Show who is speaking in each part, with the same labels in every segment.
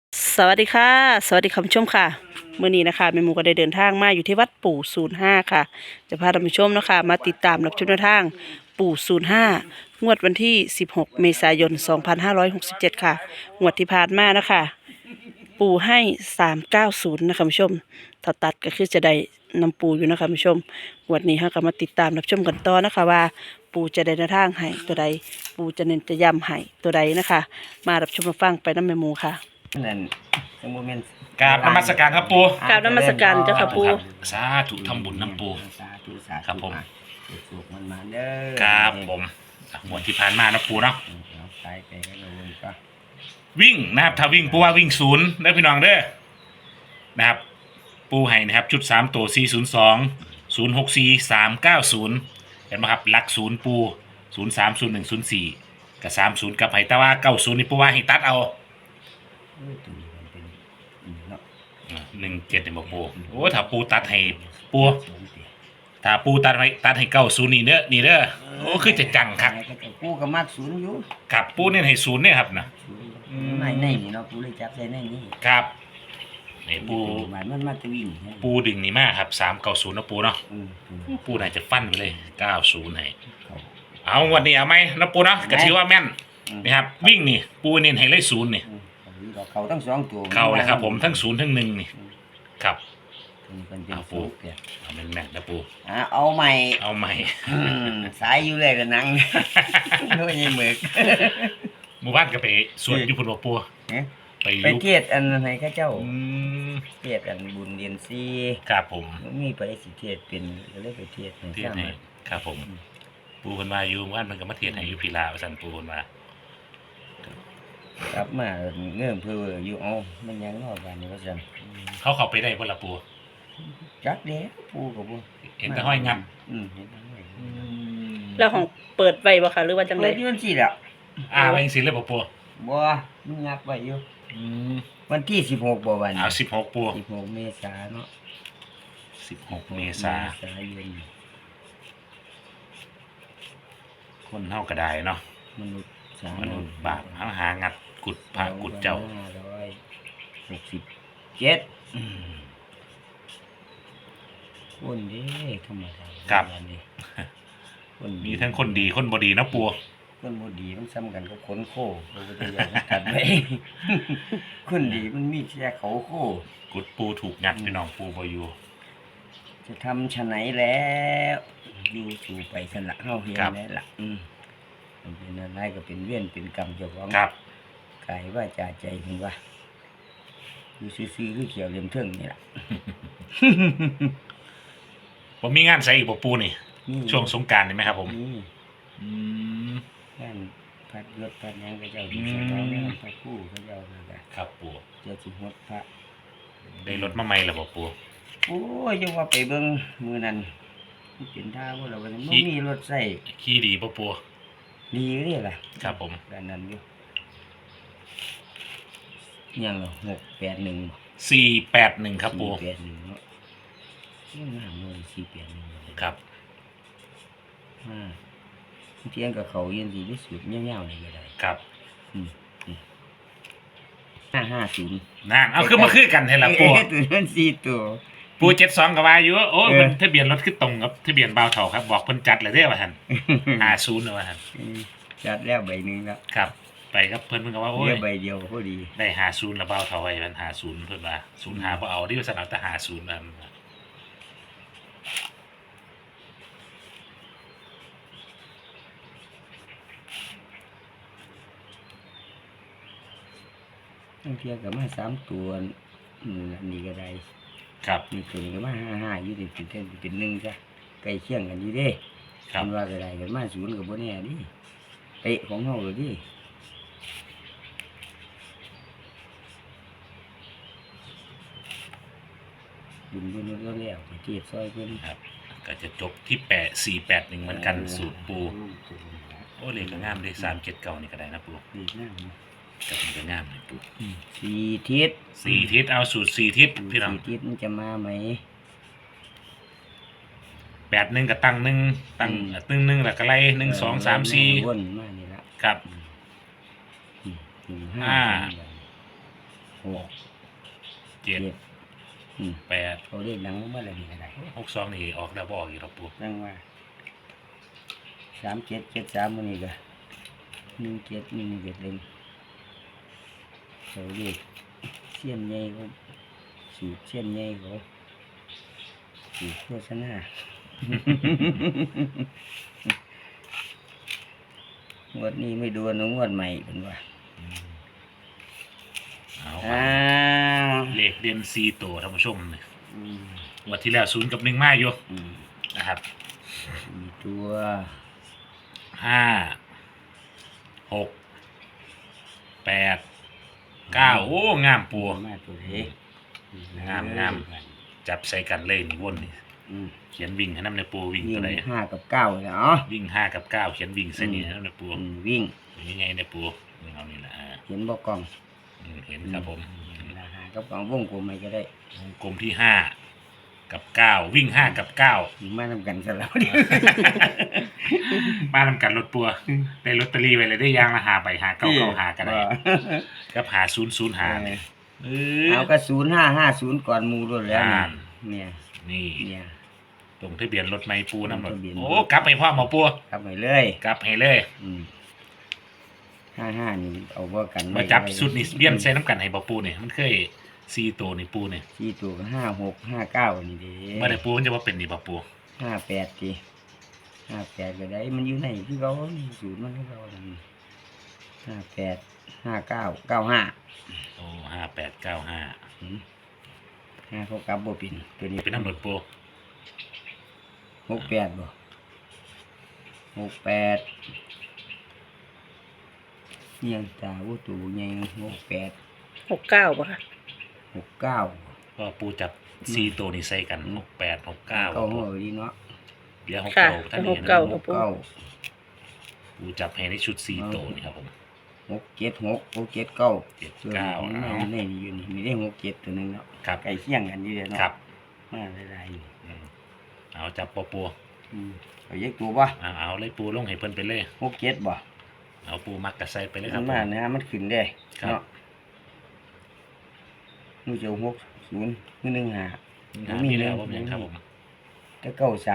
Speaker 1: สวัสดีค่ะสวัสดีคุณผู้ชมค่ะเมื่อนี้นะคะแม่หมูก็ได้เดินทางมาอยู่ที่วัดปู่05ค่ะจะพาท่านผู้ชมนะคะมาติดตามรับชมแนวทางปู่05งวดวันที่16เมษายน2567ค่ะงวดที่ผ่านมานะคะปู่ให้390นะคะคุณผู้ชมถ้าตัดก็คือจะได้นำปู่อยู่นะคะคุณผู้ชมงวดนี้เราก็มาติดตามรับชมกันต่อนะคะว่าปู่จะได้แนวทางให้ตัวใดปู่จะเน้นจะย้ำให้ตัวใดนะคะมารับชมมาฟังไปน้ำแม่หมูค่ะ
Speaker 2: นั่นสมมุติแม่น
Speaker 3: กราบนมัสการครับปู
Speaker 1: กราบนมัสการเจ้าค่ะปู่
Speaker 3: สาธุทำบุญน้ำปู
Speaker 2: สาธุสาธุ
Speaker 3: ครับผม
Speaker 2: สุขมันมาเด้อ
Speaker 3: ครับผมหมวดที่ผ่านมานะปูเนาะ
Speaker 2: เอาตายไปก็เลยก็
Speaker 3: วิ่งนะครับถ้าวิ่งปูว่าวิ่งศูนย์เด้อพี่น้องเด้อนะครับปูให้นะครับชุด3ตัว402 064 390เห็นไหมครับหลักศูนย์ปู030104กับ30กับไห้แต่ว่า90นี่ปูว่าให้ตัดเอา
Speaker 2: ตัวนี้มันเป็นเนาะ
Speaker 3: 17เนี่ยบอกปูโอ้ถ้าปูตัดให้ปูถ้าปูตัดให้90นี่เด้อโอ้คือจะจังครับ
Speaker 2: กูก็มักศูนย์อยู่
Speaker 3: กับปูเนี่ยให้ศูนย์เนี่ยครับนะ
Speaker 2: ในนี่เนาะกูเลยจับใส่ในนี่
Speaker 3: ครับนี่ปู
Speaker 2: มันมาตะวิ่ง
Speaker 3: ปูดึงนี่มากครับ390นะปูเนาะปูน่าจะฟันไปเลย90ให้เอาวันนี้เอาไหมนะปูเนาะก็ถือว่าแม่นนะครับวิ่งนี่ปูเน้นให้เลยศูนย์นี่
Speaker 2: เขาทั้งสองตัว
Speaker 3: เข้าเลยครับผมทั้งศูนย์ทั้ง1นี่ครับ
Speaker 2: เป็นเป็น
Speaker 3: เอาปูเอาแม่นๆนะปู
Speaker 2: เอาใหม่
Speaker 3: เอาใหม่
Speaker 2: สายอยู่เลยละนังด้วยยังหมึก
Speaker 3: หมู่บ้านก็ไปสวดอยู่พุ่นบ่ปูไปอ
Speaker 2: ไป
Speaker 3: ยู่
Speaker 2: เทียดอันไหนข้าเจ้า
Speaker 3: ม
Speaker 2: เทียดอันบุญเรียนซี
Speaker 3: ครับผม
Speaker 2: มีไปสิเทียดเป็นก็เลยไปเทียดให้
Speaker 3: เทียนให้ครับผมปูเพิ่นมาอยู่หมู่บ้านมันก็มาเทียนให้อยู่พีลาว่าซั่นปูเพิ่นมา
Speaker 2: กลับมาเงื่อนเพื่ออยู่เอามันยังนอกกันนี่ว่าซั่น
Speaker 3: เขาเข้าไปได้บ่ล่ะปู
Speaker 2: จักเด้ปูกับปู
Speaker 3: เห็นแต่ห้อยงับ
Speaker 2: เห็นแต่ห้อย
Speaker 1: แล้วของเปิดไว้บ่คะหรือว่าจังได
Speaker 2: เปิดอยู่วันที่แล้ว
Speaker 3: ไว้จังซี่เลยบ่ปู
Speaker 2: บ่มันงับไว้อยู่
Speaker 3: อืม
Speaker 2: วันที่16บ่วัน
Speaker 3: เอา16ปู
Speaker 2: 16เมษาเนาะ
Speaker 3: 16เมษายนคนเฮาก็ได้เนาะ
Speaker 2: มนุษย์สาม
Speaker 3: นุษย์บาปหางัดกุดพระกุดเจ้า
Speaker 2: 567
Speaker 3: อืม
Speaker 2: คนเด้ธรรมดา
Speaker 3: ครับ
Speaker 2: คนดี
Speaker 3: มีทั้งคนดีคนบ่ดีเนาะปู
Speaker 2: คนบ่ดีมันซ้ำกันกับคนโคพระพุทธเจ้ากัดไว้ คนดีมันมีแค่เขาโค
Speaker 3: กุดปูถูกงัดพี่น้องปูบ่อยู่
Speaker 2: จะทำชะไหนแล้วอยู่สู่ไปสละเฮาเฮียนแล้วล่ะมันเป็นอะไรก็เป็นเวียนเป็นกรรมเจ้าของ
Speaker 3: ครับ
Speaker 2: กายว่าจาใจเห็นว่าอยู่ซื่อๆคือเขียวเหลี่ยมเทิงนี่ล่ะ
Speaker 3: บ่มีงานใส่อีกบ่ปูนี่ ช่วงสงกรานต์นี่ไหมครับผม
Speaker 2: นี่
Speaker 3: อืม
Speaker 2: งานพัดยศพัดหยังก็เจ้าที่สนองงานพระคู่ก็เจ้านั่นแหละ
Speaker 3: ครับปู
Speaker 2: เจ้าสิฮดพระ
Speaker 3: ได้รถมาใหม่แล้วบ่ปู
Speaker 2: โอ้ยยังว่าไปเบิ่งมื้อนั้นมันเป็นท่าบ่ล่ะว่าบ่มีรถใช้
Speaker 3: ขี่ดีบ่ปู
Speaker 2: ดีเด้ล่ะ
Speaker 3: ครับผม
Speaker 2: ด้านนั้นอยู่ยังเหรอ681
Speaker 3: 481ครับปู
Speaker 2: 481เนาะงามเลย481
Speaker 3: ครับ
Speaker 2: เที่ยงกับเขายังดีที่สุดเงี้ยวๆนี่ก็ได้
Speaker 3: ครับ
Speaker 2: 550
Speaker 3: นั่นเอาคือมาคือกันให้ล่ะปู
Speaker 2: ตัวนั้น4ตัว
Speaker 3: ปู72ก็ว่าอยู่โอ้ยมันทะเบียนรถคือตรงกับทะเบียนบ่าวเฒ่าครับบอกเพิ่นจัดเลยเด้อว่าหั่น50นะว่าหั่น
Speaker 2: จัดแล้วใบหนึงแล้ว
Speaker 3: ครับ ไปครับเพิ่นก็ว่าโอ้
Speaker 2: เหลื
Speaker 3: ย
Speaker 2: อใบเดียวพอดี
Speaker 3: ได้50แล้วบ่าวเฒ่าไว้มัน50เพิ่นว่า05บ่เอาที่ว่าสนับแต่50นั่น
Speaker 2: ทั้งเที่ยกับมา3ตัวอันนี้ก็ได้
Speaker 3: ครับ
Speaker 2: นี่ตัวนี้ก็มา55อยู่ที่เป็น1ซะใกล้เคียงกันอยู่เด้
Speaker 3: ครับ
Speaker 2: มันว่าก็ได้กันมา0ก็บ่แน่ดิเตะของเฮาเลยดิบุญเพิ่นแล้วไปเทียบซอยเพิ่น
Speaker 3: ครับก็จะจบที่481เหมือนกันสูตรปูโอ้เลขก็งามเลย379นี่ก็ได้นะปู
Speaker 2: ดีงามนะ
Speaker 3: ก็มันก็งามเลยปู
Speaker 2: สี่ทิศ
Speaker 3: 4ทิศเอาสูตร4ทิศพี่น้อง
Speaker 2: สี่ทิศมันจะมาไหม
Speaker 3: 81ก็ตั้ง1ตั้งตึ้ง1แล้วก็ไล่1 2 3 4
Speaker 2: วนมานี่ละ
Speaker 3: ครับ
Speaker 2: 1
Speaker 3: อ่า
Speaker 2: 5 หก
Speaker 3: เจ็ด แปด
Speaker 2: เขาเรียกหนังเมื่อไรนี่อะไร
Speaker 3: 62นี่ออกแล้วบ่ออกอีกหรอกปู
Speaker 2: นั่งว่า3773มื้อนี้ก็1717เล่มเขาเรียกเสี้ยนใหญ่เขาสูตรเสี้ยนใหญ่เขาสูตรโฆษณา งวดนี้ไม่ดูนะงวดใหม่เป็นว่า
Speaker 3: เอา
Speaker 2: อ้าว
Speaker 3: เลขเด่น4ตัวท่านผู้ชมนี่
Speaker 2: อืม
Speaker 3: งวดที่แล้ว0กับ1มาอยู่
Speaker 2: อืม
Speaker 3: นะครับ
Speaker 2: มีตัว
Speaker 3: 5 6 8 9โอ้งามปู
Speaker 2: มาตัวเล็ก
Speaker 3: งาม จับใส่กันเลยนี่วนนี่
Speaker 2: อืม
Speaker 3: เขียนวิ่งให้น้ำในปูวิ่ง
Speaker 2: วิ่
Speaker 3: ตัว
Speaker 2: ง
Speaker 3: ใด
Speaker 2: 5 กับ 9เลยเนาะ
Speaker 3: วิ่ง5กับ9เขียนวิ่งใส่นี่ให้น้ำในปู
Speaker 2: วิ่ง
Speaker 3: ยังไงในปูนี่เอานี่แหละ
Speaker 2: เห็นบ่กล้อง
Speaker 3: เห็นครับผม
Speaker 2: ราคากับกล้องวงกลมไม่ก็ได้
Speaker 3: วงกลมที่5กับ9วิ่ง5กับ9
Speaker 2: มานำกันซะแล้วดิ
Speaker 3: บ้านนำกันรถปัวได้ลอตเตอรี่ไว้เลยได้ยางละหาใบหาเก้าเก้าหากันได้กับหา0 0 หาเนี่ย
Speaker 2: เอาก็0550ก่อนหมู่ด้วยแล้วนี่เนี่ย
Speaker 3: นี่
Speaker 2: เนี่ย
Speaker 3: ตรงทะเบียนรถไม่ปูน้ำรถ
Speaker 2: ทะเบียนรถ
Speaker 3: โอ้กลับให้พ่อหมอปัว
Speaker 2: ครับไปเลย
Speaker 3: กลับให้เลย
Speaker 2: 55นี่เอาบ่กัน
Speaker 3: มาจับสุดนี่เบี้ยนใส่น้ำกันให้บ่ปูเนี่ยมันเคย4ตัวนี่ปูเนี่ย
Speaker 2: ที่ตัวก็56 59นี่เด้
Speaker 3: เมื่อไหร่ปูมันจะว่าเป็นนี่บ่ปู
Speaker 2: 58ติ58ก็ได้มันอยู่ในคือเขานี่สูตรมันคือเขานั่น58 59 95
Speaker 3: โอ้5895
Speaker 2: เขากลับบ่เป็นตัวนี้
Speaker 3: เป็นน้ำรถปู
Speaker 2: 68บ่68เนี่ยตาวุตูใหญ่68
Speaker 1: 69ป่ะค่ะ
Speaker 2: 69
Speaker 3: ก็ปูจับ4ตัวนี่ใส่กัน68 69
Speaker 2: เก้าหัวดีเนาะ
Speaker 3: เหลือ
Speaker 1: ค่ะ
Speaker 3: 69ท่านนี้นะ
Speaker 1: 69ครับปู
Speaker 3: ปูจับให้ในชุด4ตัวนี่ครับผม
Speaker 2: 676 679
Speaker 3: 79 เอา
Speaker 2: ในนี่อยู่นี่มีได้67ตัวนึงเนาะ
Speaker 3: ครับ
Speaker 2: ใกล้เคียงกันอยู่เนาะ
Speaker 3: ครับ
Speaker 2: มาหลายๆอยู่
Speaker 3: เอาจับปู
Speaker 2: เอาเยกตัวบ่
Speaker 3: เอาเลยปูลงให้เพิ่นไปเลย
Speaker 2: 67บ่
Speaker 3: เอาปูมักกระใส่ไปเลยค
Speaker 2: มั
Speaker 3: รับ
Speaker 2: น
Speaker 3: ผ
Speaker 2: มาม นะมันขึ้นได้
Speaker 3: ครับ
Speaker 2: เนาะนู่นจะ60คือ15
Speaker 3: หามีแล้วผมยังครับผม
Speaker 2: แต่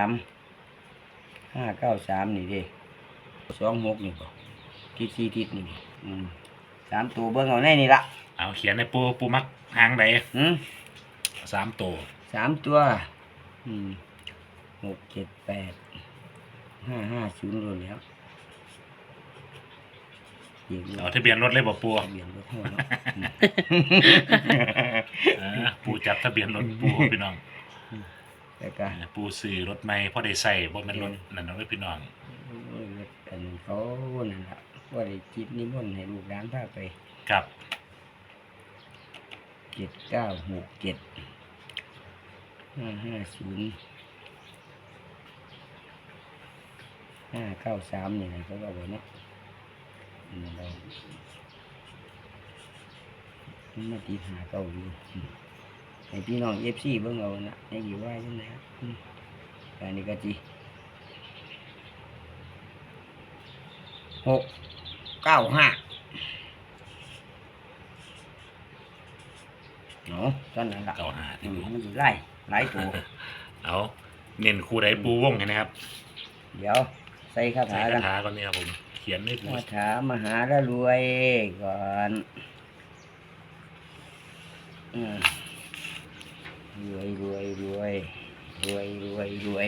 Speaker 2: 593นี่เด้26นี่บ่ทิศ4ทิศนี่3ตัวเบิ่งเอาในนี่ล่ะ
Speaker 3: เอาเขียนในปูมักหางใด 3ตัว
Speaker 2: 3ตัว6 7 8 550รวมแล้วเดี๋ยว
Speaker 3: เอาทะเบียนรถเลยบ่ปู
Speaker 2: ทะเบียนรถหัวเนาะ
Speaker 3: ปูจับทะเบียนรถปูพี่น้อง
Speaker 2: แล้วก็
Speaker 3: ปูซื้อรถใหม่พอได้ใส่บ่แม่นรถนั่นเนาะพี่น้อง
Speaker 2: รถอันนี้เขานั่นล่ะว่าได้จิตนิมนต์ให้ลูกหลานพาไป
Speaker 3: ครับ
Speaker 2: 7967 550 593นี่นะเขาก็บอกเนาะเรามาตีหาเก่าอยู่ให้พี่น้องFC เบิ่งเอานะให้อยู่ว่าจังได๋อันนี้ก็จี695เนาะตอนนั้นล่ะ
Speaker 3: 95ที่ปู
Speaker 2: มันสิไล่หลายตัว
Speaker 3: เอาเน้นคู่ใดปูวงให้นะครับ
Speaker 2: เดี๋ยวใส่คา
Speaker 3: ใส่
Speaker 2: ถา
Speaker 3: คา
Speaker 2: กัน
Speaker 3: ถาก่อนนี่ครับผมเขียนให้ปู
Speaker 2: คาถามหาละรวยก่อนรวยรวยรวยรวยรวยรวย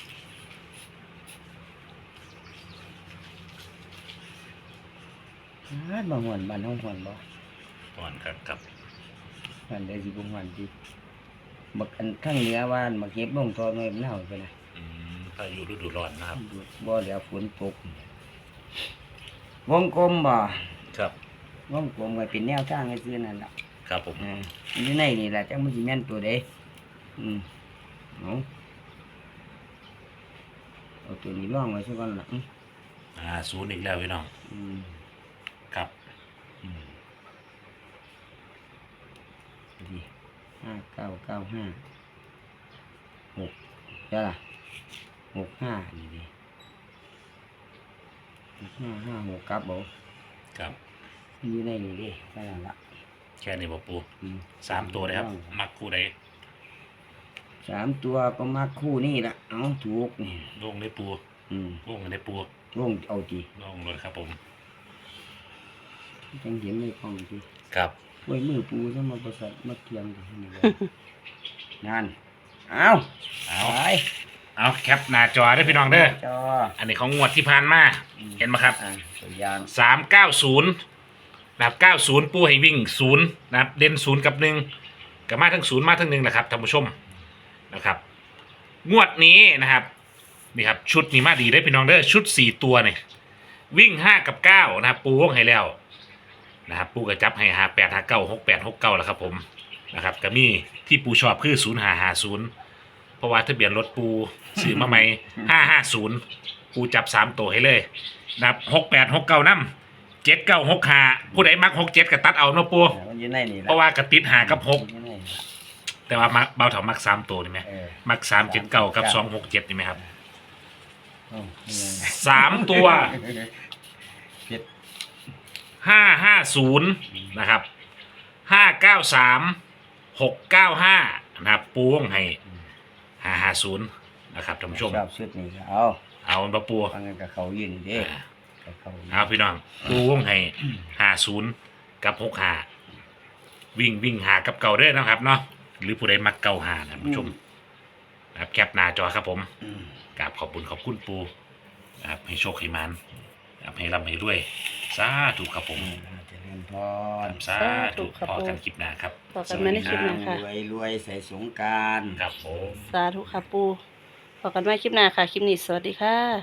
Speaker 2: บางวันบ้านห้องหวนบ่
Speaker 3: ก่อนครับ
Speaker 2: บ้านได้สิบงวันที่บักอันข้างเหนือว่านบักเก็บลงทอน้อยมันเน่าไปนะ
Speaker 3: พายุฤดูร้อนนะครับ
Speaker 2: บ่แล้วฝนตกวงกลมบ่
Speaker 3: ครับ
Speaker 2: วงกลมก็เป็นแนวทางให้ซื้อนั่นล่ะ
Speaker 3: ครับผม
Speaker 2: อยู่ในนี่แหละจังมันสิแม่นตัวใดเอาตัวนี้ล่องไว้ซะก่อนล่ะ
Speaker 3: 0อีกแล้วพี่น้องครับ
Speaker 2: ดี5995 6จ้ะล่ะ65นี่ดิ6556กลับบ่
Speaker 3: ครับ
Speaker 2: อยู่ในนี่ดินั่นล่ะ
Speaker 3: แค่นี้บ่ปู
Speaker 2: อืม
Speaker 3: 3ตัวเลยครับมักคู่ใด
Speaker 2: 3 ตัวก็มาคู่นี่ละเอาถูกนี่
Speaker 3: ลงได้ปู
Speaker 2: อืม
Speaker 3: ลงได้ปู
Speaker 2: ลงเอาจี
Speaker 3: ลงเลยครับผม
Speaker 2: จังเห็นในกล้องจี
Speaker 3: ครับ
Speaker 2: ไว้มือปูซะมาประสัทมาเทียงกันนี่เลยนั่นเอา
Speaker 3: เอา
Speaker 2: ไป
Speaker 3: เอาแคปหน้าจอได้อพี่น้องเด้อ
Speaker 2: จอ
Speaker 3: อันนี้ของงวดที่ผ่านมา เห็นไหมครับ
Speaker 2: อ่ะตัวอย่าง
Speaker 3: 390นะครับ90ปูให้วิ่ง0นะครับเด่น0กับ1กับมาทั้ง0มาทั้ง1แหละครับท่านผู้ชมนะครับ งวดนี้นะครับนี่ครับชุดนี้มาดีได้อพี่น้องเด้อชุด4ตัวเนี่ยวิ่ง5กับ9นะครับปูวงให้แล้วนะครับปูก็จับให้58 59 68 69แล้วครับผมนะครับก็มีที่ปูชอบคือ0550เพราะว่าทะเบียนรถปูซื้อมาใหม่550ปูจับ3ตัวให้เลยนะครับ68 69นำ79 65ผู้ใดมัก67ก็ตัดเอาเนาะปู
Speaker 2: มันอยู่ในนี่
Speaker 3: เพราะว่ากระติด5กับ
Speaker 2: อยู่ในนี่ล่ะ
Speaker 3: 6แต่ว่ามักเบาเถามัก3ตัวนี่ไหม
Speaker 2: เออ
Speaker 3: มัก379กับ267นี่ไหมครับ
Speaker 2: เอานี่ไง
Speaker 3: 3ตัว
Speaker 2: เจ็ด
Speaker 3: 550นะครับ593 695นะครับปูวงให้550นะครับท่านผู้ชม
Speaker 2: ชอบชุดนี้ก็เอา
Speaker 3: เอาบ่ปู
Speaker 2: ฟังกันกับเขายืนเด้
Speaker 3: อ่า
Speaker 2: กับเขายืน
Speaker 3: เอาพี่น้องปูวงให้50กับ65วิ่งหากับเก่าเด้อนะครับเนาะหรือผู้ใดมักเก่าหานะท่านผู้ชมนะครับแคปหน้าจอครับผม
Speaker 2: อืม
Speaker 3: กราบขอบคุณปูนะครับให้โชคให้มันนะครับให้ร่ำให้รวยสาธุครับผม
Speaker 2: เจริญพร
Speaker 3: สาธุพอกันคลิปหน้าครับ
Speaker 1: ต่อกันมาในคลิปหน้าค่ะ
Speaker 2: รวยใส่สงกราร
Speaker 3: ครับผม
Speaker 1: สาธุค่ะปูพบกันใหม่คลิปหน้าค่ะ คลิปนี้สวัสดีค่ะ